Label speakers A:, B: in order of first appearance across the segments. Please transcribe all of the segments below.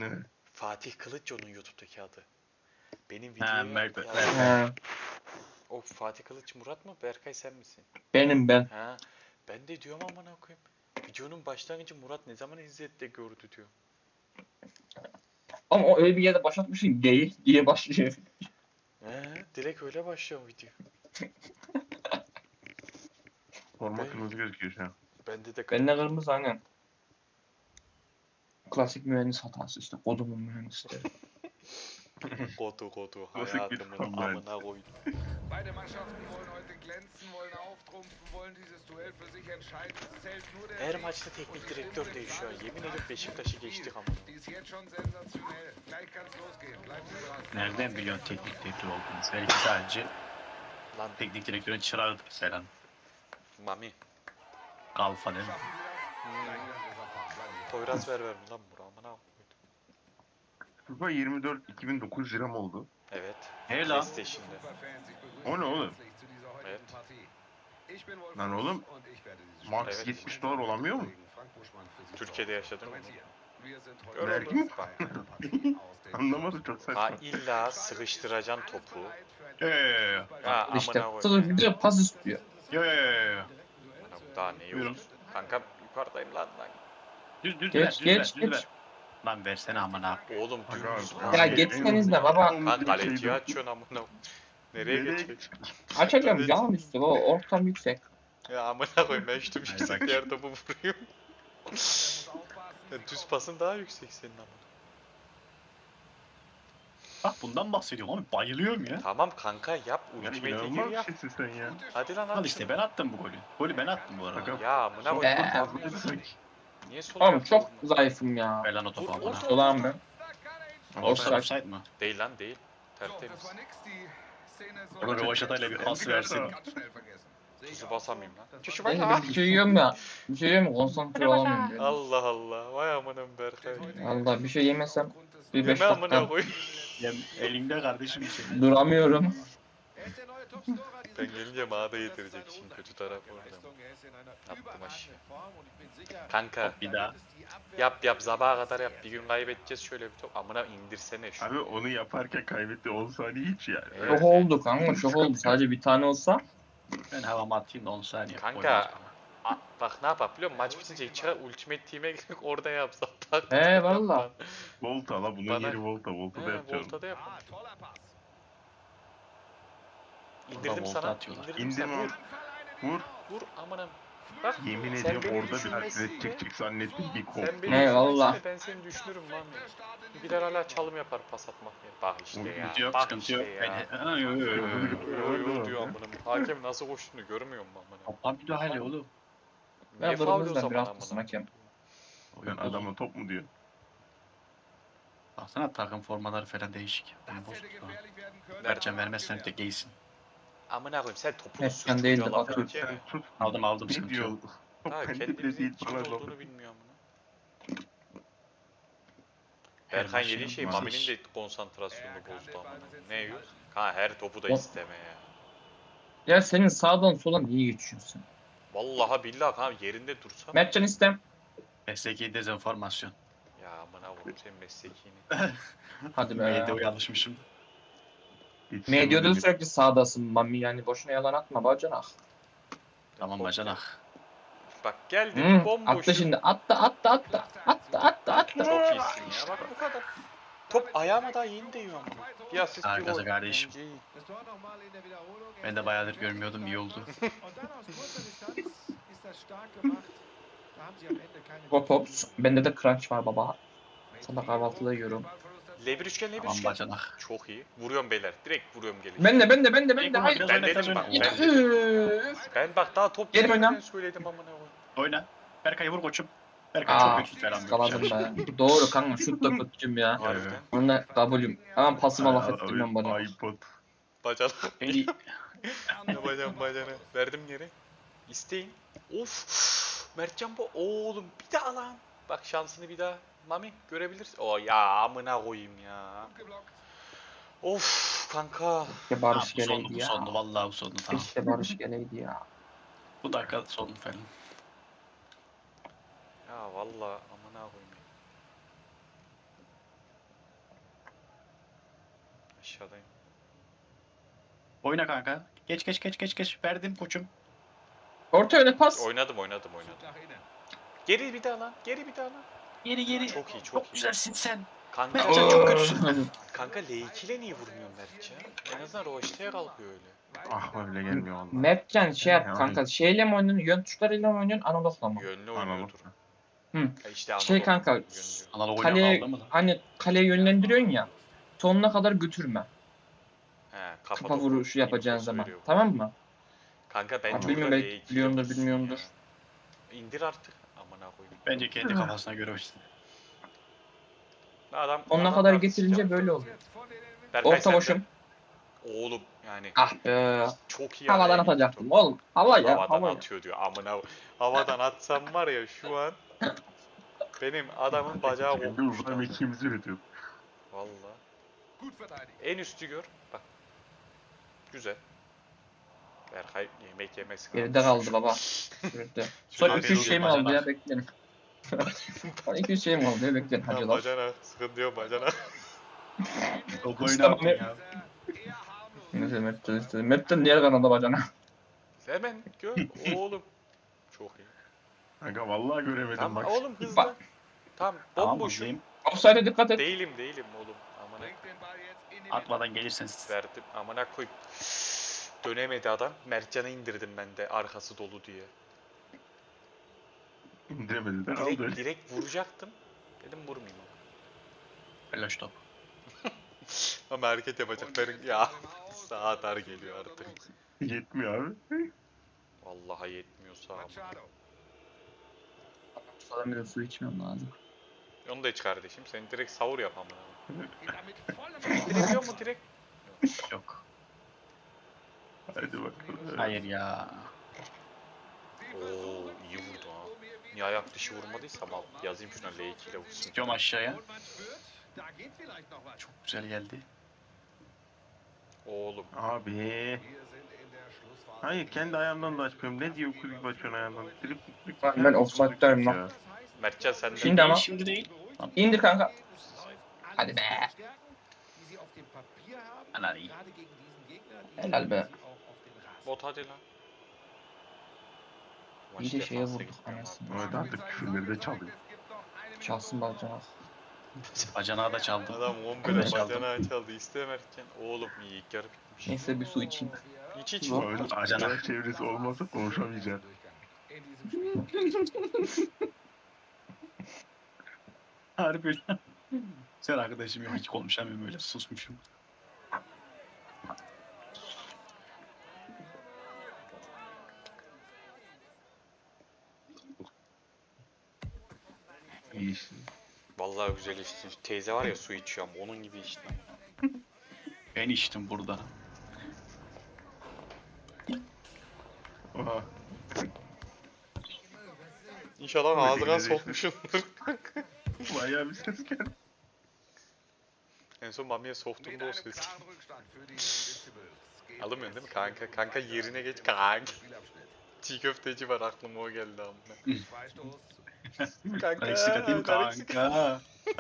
A: Ne?
B: Fatih Kılıç onun YouTube'daki adı. Benim
C: Ha,
B: videoya
C: Berkay.
B: O Fatih Kılıç Murat mı? Berkay sen misin?
D: Benim ben.
B: Ha. Ben de diyorum amına koyayım. Videonun başlangıcı Murat ne zaman izledi de gördü diyor.
D: Ama o öyle bir yerde başlatmışsın değil diye başlıyor.
B: Direkt öyle başlıyor video.
A: Forma
B: Ben-
A: kırmızı gözüküyor şu an.
B: Bende de
D: Ben de kırmızı aynen. Klasik mühendis hatası işte. Kodumun mühendisleri.
B: kodu
A: Klasik bir
B: hayatımın
A: fan
B: amına koydum.
E: Beide Mannschaften wollen heute glänzen, wollen auftrumpfen, wollen dieses Duell für sich entscheiden. Es zählt nur der
B: Her
E: Sieg.
B: maçta teknik direktör değişiyor. Yemin ederim Beşiktaş'ı geçtik ama.
E: Die ist jetzt schon sensationell. Gleich kann's losgehen. Bleiben Sie dran.
C: Nereden biliyorsun teknik direktör olduğunu? Belki sadece
B: Lan
C: teknik direktörün çırağıdır Selen.
B: Mami.
C: Kalfa değil mi?
B: Poyraz ver lan bura amına koydum.
A: FIFA 24 2009 lira mı oldu?
B: Evet.
C: Hey lan.
B: PlayStation'da.
E: Superfans, ich begrüße
A: O ne
E: Sie
A: oğlum?
E: herzlich zu dieser heutigen
B: Evet.
E: Partie. Ich bin Wolf
A: Lan
E: Fuchs
A: oğlum,
E: und ich werde dieses
A: Max
B: Evet.
A: 70 dolar olamıyor mu?
E: Frank Buschmann für Sie
B: Türkiye'de yaşadın mı?
E: kommentieren. Wir sind heute
B: Öyle
A: Vergi mi?
E: bei einer Partie aus dem
A: Anlamadım, çok saçma.
B: Ha illa sıkıştıracaksın topu.
C: Yo.
B: Ha
D: İşte.
B: amına
D: Sonra
B: koydum.
D: bir de pas istiyor.
C: Yo.
B: Daha ne
C: Buyurun.
B: yok? Kanka yukarıdayım lan.
C: Düz
D: Geç,
C: ver,
D: geç,
C: düz
D: geç.
C: ver. Lan versene amına.
B: Oğlum
A: Aga,
B: dümdüz.
A: aga.
D: Ya geçseniz de baba.
B: Lan kaleciyi açıyorsun amına. Nereye
A: Nereye
B: geçecek?
D: Açacağım
B: Evet.
D: yan üstü baba. Ortam yüksek.
B: Ya amına koyayım ben şu
C: Hayır,
B: yüksek
C: bak.
B: yer topu vuruyorum. Ya düz pasın daha yüksek senin ama.
C: Bak bundan bahsediyorum abi. Bayılıyorum ya.
B: Tamam kanka yap.
A: Yani
B: Ultimate'e
A: inanılmaz
B: gir
A: bir
B: yap.
A: şeysin sen ya.
B: Hadi lan
C: Al
B: at
C: işte
B: şunu.
C: ben attım bu golü. Golü ben attım bu arada.
A: Aga,
B: Ya amına
A: Son
B: koyayım.
D: Ee.
A: fazlaydı sanki.
B: Niye sol
D: Oğlum
B: ayakla
D: çok
B: vurmadın?
D: zayıfım ya.
C: Ver lan o topu
B: Vur,
C: amına.
B: orta.
D: Dolan ben.
A: Ama
D: Offside.
A: ben-
C: Offside mı?
B: Değil lan değil.
E: So, das
B: Tertemiz.
E: war nix. Die Szene soll
C: Ama Rövaşatayla bir pas versin.
E: ganz schnell vergessen.
B: Tuzu basamayayım lan. Çüşü
D: Ben
B: bak.
D: de bir şey yiyorum ya. Bir şey yiyorum ya konsantre olamıyorum. böyle.
B: Allah Allah. Vay amanın Berkay.
D: Allah bir şey yemesem bir 5
B: Yeme amına
D: dakika
B: koyayım.
C: Ya elinde kardeşim şey.
D: duramıyorum.
B: Ben gelince mağda yedirecek şimdi kötü taraf orada. Attım aşağı. Kanka
C: Bir daha.
B: yap sabaha kadar yap. Bir gün kaybedeceğiz şöyle bir top. Amına indirsene şu.
A: Abi onu yaparken kaybetti 10 saniye hiç yani.
B: Evet.
D: Şok oldu kanka şok oldu. Sadece bir tane olsa.
C: Ben havama atayım da 10 saniye.
B: Kanka bak ne yapar biliyor musun? Maç bitince içeri Ultimate Team'e girip orada yapsak. Bak,
D: He, valla.
A: Volta la bunun
B: Bana-
A: yeri Volta. Volta'da yapacağım.
B: Volta'da yap.
E: Ah, toller Pass.
B: İndirdim
C: Volta
B: sana.
C: atıyorlar.
B: İndirdim
A: İndim
B: sana.
A: abi. Vur.
B: Vur amanım. Bak
A: Yemin
B: sen
A: ediyorum
B: beni
A: orada bir
B: düşünmezsin
A: hareket
B: de-
A: çık zannettim bir kop.
B: Sen beni
D: He,
B: düşünmezsin
D: valla.
B: de ben seni düşünürüm lan. Birer hala çalım yapar pas atmak ya. Bak işte ya.
C: Sıkıntı yok,
B: Bak
C: sıkıntı
B: işte
C: yok.
B: ya.
C: Ben... Yo.
B: Yo diyor amınım. Hakem nasıl koştuğunu görmüyor musun amınım?
C: Toplam müdahale oğlum.
B: Niye
D: Ben
B: faul o
D: kırmızıdan
B: zaman
D: biraz
B: amınım?
D: kısım hakem.
A: Sen adama top mu diyor?
C: Baksana takım formaları falan değişik. Bunu
E: Das
C: bozuk
E: hätte
C: lan.
E: gefährlich werden können.
C: Mertcan vermezsen de giysin.
B: Amına koyayım sen topunu
D: Evet,
B: sür
D: ben değildim,
B: çocuğa laf
D: atıyorum.
B: edeceğine.
A: Sen tut.
C: Aldım
A: Ne
C: sıkıntı
A: diyor?
C: yok.
A: Top
B: Ha
A: bende bile
B: kendimizin
A: değil
B: kim
A: bana laf.
B: olduğunu bilmiyor amına. Berkan
C: maçın
B: yediği şey
C: masası.
B: Mami'nin de konsantrasyonunu bozdu amına. Ne yiyor? Ha her topu da isteme ya.
D: Ya senin sağdan soldan niye geçiyorsun sen?
B: Vallahi billahi kanka yerinde dursa.
D: Mertcan istem.
C: Mesleki dezenformasyon.
B: Ya amına koyayım senin mesleğini.
D: Hadi be.
C: Medyada uyanmışım.
D: Medyada sürekli sağdasın Mami yani boşuna yalan atma bacanak.
C: Tamam bacanak.
B: Bak geldi
D: Hmm,
B: bomboş.
D: attı şimdi attı.
B: Çok iyisin ya bak bu kadar. Top ayağıma daha yeni değiyor ama. Bir asist bir
C: Harikasın
B: gol.
C: kardeşim.
B: Bence iyi.
C: Ben de bayağıdır görmüyordum, iyi oldu.
D: Hop hops. Bende de crunch var baba. Sabah kahvaltıda yiyorum.
B: L1 üçgen L1
C: Tamam
B: üçgen.
C: bacanak.
B: Çok iyi. Vuruyorum beyler. Direkt vuruyorum gelin.
D: Ben de hayır.
C: Biraz
B: Ben
C: oyna, biraz
B: dedim bak,
C: oyna.
B: ben-
D: Üf.
B: Ben bak daha top
D: Geri
B: gelmeden
D: oyna.
B: söyledim amına koyayım.
C: Oyna. Berkay vur koçum. Berkay
D: Aa,
C: çok kötü falan.
D: skaladım be. Doğru kanka şut da kötücüm ya.
B: Harbiden.
D: Onunla kabulüm. Ama pasıma laf ettirmem bana.
A: iPod.
B: Bacanak.
C: En iyi.
B: Ne bacana. Verdim geri. İsteyin. Of. Mertcan bu. Oğlum bir daha lan. Bak şansını bir daha. Mami görebilirsin. O ya amına koyayım ya. Of kanka.
D: Keşke Barış
C: Bu sondu,
D: geleydi
C: bu
D: ya.
C: sondu. Vallahi bu sondu. Tamam.
D: Keşke Barış geleydi ya.
C: Bu dakika sondu falan.
B: Ya vallahi amına koyayım. aşağıdayım.
C: Oyna kanka. Geç. Verdim koçum.
D: Orta öne pas.
B: Oynadım.
E: Zug nach innen.
B: Geri bir daha lan.
C: Geri.
B: Çok iyi.
C: Çok güzelsin sen.
B: Kanka,
C: Mertcan çok kötüsün.
B: kanka L2 ile niye vurmuyorsun Mertcan? En azından Roşte'ye kalkıyor öyle.
A: Ah öyle gelmiyor valla.
D: Mertcan şey yap
A: Yani.
D: kanka. Şeyle mi oynuyorsun? Yön tuşlarıyla mı oynuyorsun? Analogla mı?
B: Yönlü
A: Analog.
B: oynuyordur.
D: Hı.
B: Ya işte
D: Şey
B: analog,
D: kanka,
B: yönlü.
C: Analog oyuna
D: Kaleye,
C: kaldı mı lan?
D: hani kaleye yönlendiriyorsun ya. Sonuna kadar götürme.
B: He,
D: Kafa vuruşu yapacağın
B: infosu
D: zaman.
B: veriyor bu.
D: Tamam mı?
B: Kanka bence
D: Abi
B: orada
D: bilmiyorum, belki
B: L2 ile
D: biliyordur,
B: vursun
D: bilmiyordur.
B: ya. İndir artık. Amına koyayım.
C: Bence kendi kafasına göre oynadı.
D: Sonuna
B: adam
D: kadar
B: artist
D: getirince
B: yaptı.
D: böyle oluyor.
B: Berkay
D: Orta
B: sen de-
D: boşum.
B: Oğlum yani
D: Ah be.
B: çok iyi
D: Havadan
B: araya gitti
D: atacaktım
B: top.
D: oğlum. Hava ya.
B: Havadan
D: Hava ya.
B: atıyor diyor. Amına havadan atsam var ya şu an benim adamın bacağı
A: Kendi
B: kopmuş
A: uzay
B: lan.
A: mekiğimizi üretiyor.
B: Valla.
E: Gut verteidigt.
B: En üstü gör. Bak. Güzel. Berkay yemek yemesi
D: Geride kaldı baba. Geride. Son
B: Abi
D: 200 şey mi
C: bacana.
D: aldı ya, beklerim. Son 200 şey mi aldı ya, beklerim. Hadi
B: Tamam
D: lan.
B: bacana. Sıkıntı yok bacana.
C: Top
D: İşte
C: oyna
D: Mehmet-
C: ya.
E: Eher harmlos.
D: Neyse Mertcan istedi. Mertcan diğer kanada bacana.
B: Hemen gör. Oğlum. Çok iyi.
A: Kanka vallahi göremedim
B: Tamam
A: bak.
B: oğlum hızlı.
D: Bak.
B: Tamam
C: Tamam
B: bomboşum.
C: hızlıyım.
D: Offside'e dikkat et.
B: Değilim oğlum. Amına
E: Bringt den Ball jetzt in die Mitte.
C: Atmadan gelirseniz.
B: verdim. Amına koyayım. Dönemedi adam. Mertcan'ı indirdim ben de arkası dolu diye.
A: İndiremedi de aldı.
B: Direkt vuracaktım. Dedim vurmayayım.
C: Flash top.
B: Ama hareket yapacak.
E: Und jetzt
B: Ya
E: vor dem Aus.
B: saat dar geliyor artık.
A: Yetmiyor abi.
B: Vallahi yetmiyorsa ama.
E: Machado.
D: Susadan biraz su içmem lazım.
B: Onu da iç kardeşim. Sen direkt savur yap amına.
E: Geht damit voll im
B: İndirebiliyor mu direkt?
C: Yok.
A: Hadi bakalım.
C: Hayır ya.
B: Oo iyi vurdu ha. Niye ayak dışı vurmadıysam al. Yazayım şuna L2 ile vursun.
C: Gidiyorum aşağıya.
E: Und man spürt, da geht vielleicht noch was.
C: Çok güzel geldi.
B: Oğlum.
A: Abi.
E: Wir sind in der Schlussphase.
A: Hayır kendi ayağımdan da açmıyorum. Ne diyor kulüp açıyorsun ayağından? Trip.
D: Ben offside'dayım lan.
B: Mertcan sen de.
D: Şimdi ama-
C: Şimdi değil.
D: İndir kanka.
E: Hadi
D: Hadi
E: be.
D: be. Helal be.
E: Helal be.
B: Bot hadi lan.
D: İyi de
B: Maç
D: şeye
B: defansa
D: vurduk
B: gitti ama.
D: anasını.
A: Evet artık küfürleri de çalıyor.
D: Çalsın bacana.
C: Bacanağı da çaldım.
B: Adam
C: Ben
B: 11'e
C: de çaldım.
B: bacanağı çaldı. İste Mertcan. Oğlum iyi ilk yarı bitmiş.
D: Neyse bir su içeyim.
B: İç
D: Yok.
A: Öyle acayip çevresi olmasa konuşamayacağım.
C: Harbi lan. Sen arkadaşım yok hiç konuşamıyorum öyle susmuşum.
A: İyi işte.
B: Vallahi güzel içtin. Teyze var ya su içiyor ama onun gibi içtin.
C: Ben içtim burada.
A: Oha.
B: İnşallah
A: Oy,
B: ağzına
A: yine de
B: sokmuşumdur.
A: Bayağı bir ses geldi.
B: En son Mami'ye soktum
E: Mit
B: da o
E: einem
B: ses.
E: klaren Rückstand für die Invincibles geht
B: Alamıyorsun değil mi
E: es
B: kanka?
E: in den
B: Kanka
E: letzten
B: yerine geç
E: Minuten
B: kanka.
E: des Spielabschnitts.
B: Çiğ köfteci var aklıma o geldi amına.
E: Freistoß.
C: Ben eksik atayım kanka.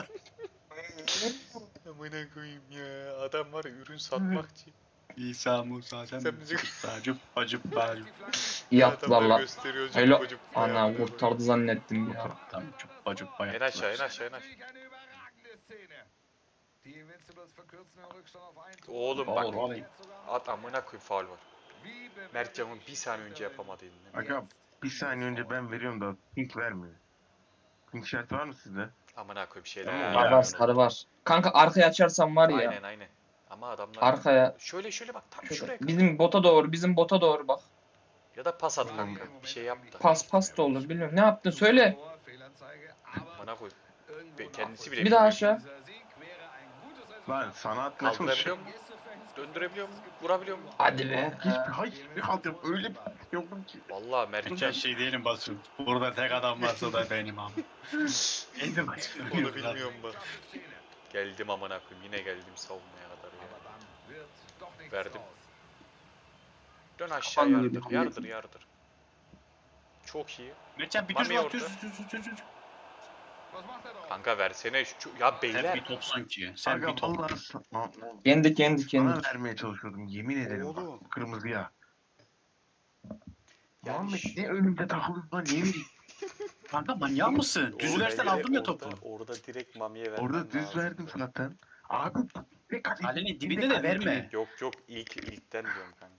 B: Amına koyayım ya. Adam var ya ürün satmakçı.
C: İsa Musa sen
B: Sen
C: misin?
B: bizi-
C: Sacıp bacıp bacıp.
D: İyi attılar
B: Adamlar
D: lan.
B: gösteriyor
D: Hello.
B: cıbı cıbı.
D: Ana kurtardı zannettim ya.
C: Tam çup bacıp
B: En
C: bayat.
B: aşağı en aşağı en aşağı.
E: Natürlich eine überragende Szene. Die Invincibles verkürzen den Rückstand auf ein Tor.
B: Oğlum
C: bak.
E: Jetzt sogar
B: At amına koyayım faul var.
E: wie bewertet
B: Mertcan'ın bir saniye önce
E: Schäferin
B: yapamadığını.
A: Aga bir saniye önce ben veriyorum da pink vermiyor. Pink şart var mı sizde?
B: Amına koyayım şeyler.
A: Tamam,
B: ya.
D: Var var, sarı var. Kanka arkaya açarsan var ya.
B: Aynen. Ama adamlar
D: Arkaya.
B: şöyle bak tam
D: Şöyle.
B: şuraya.
D: Bizim bota doğru bak.
B: Ya da pas at kanka. Bir şey yap da.
D: Pas da olur, bilmiyorum. Ne yaptın söyle.
E: Tor, Fehlanzeige, aber
B: Amına koyayım.
E: irgendwo
B: Kendisi bile
D: Bir daha
B: bilmiyor.
D: aşağı.
E: Dieser Sieg wäre ein gutes Resultat.
A: Lan sana atmaya
B: Kaldırabiliyor
A: çalışıyorum.
B: mu? Döndürebiliyor mu? Vurabiliyor mu?
D: Hadi be.
A: Hiçbir halt yok. Öyle bir yokum ki.
B: Vallahi Mertcan
C: Geçen şey diyelim basın. Burada tek adam varsa da benim abi. Kendi başına.
B: onu bilmiyorum bak. Geldim amına koyayım. Yine geldim savunmaya kadar ya.
E: Aber dann wird doch nichts
B: Verdim.
E: draus.
B: Dön aşağı yardır. Çok iyi.
C: Mertcan bir
B: Mami
C: düz bak
B: orada.
C: düz.
E: Was macht er da?
B: Kanka versene ya
C: Sen
B: beyler.
C: bir top sanki. Sen
A: Aga
C: bir top.
A: vallahi
D: Kendi.
A: sana vermeye çalışıyordum yemin ederim
B: Oğlum.
A: bak kırmızıya.
B: Yani
A: Muhammed
B: şu-
A: ne önümde takılıyorsun lan niye vereyim?
C: Kanka manyak mısın? Düz
B: Oğlum,
C: versen
B: bence
C: aldım ya
B: orada-
C: topu.
B: Orada direkt Mami'ye vermen
A: Orada düz
B: lazım.
A: verdim zaten. Abi tek
C: Kalenin dibinde de verme.
B: Yok ilkten diyorum kanka.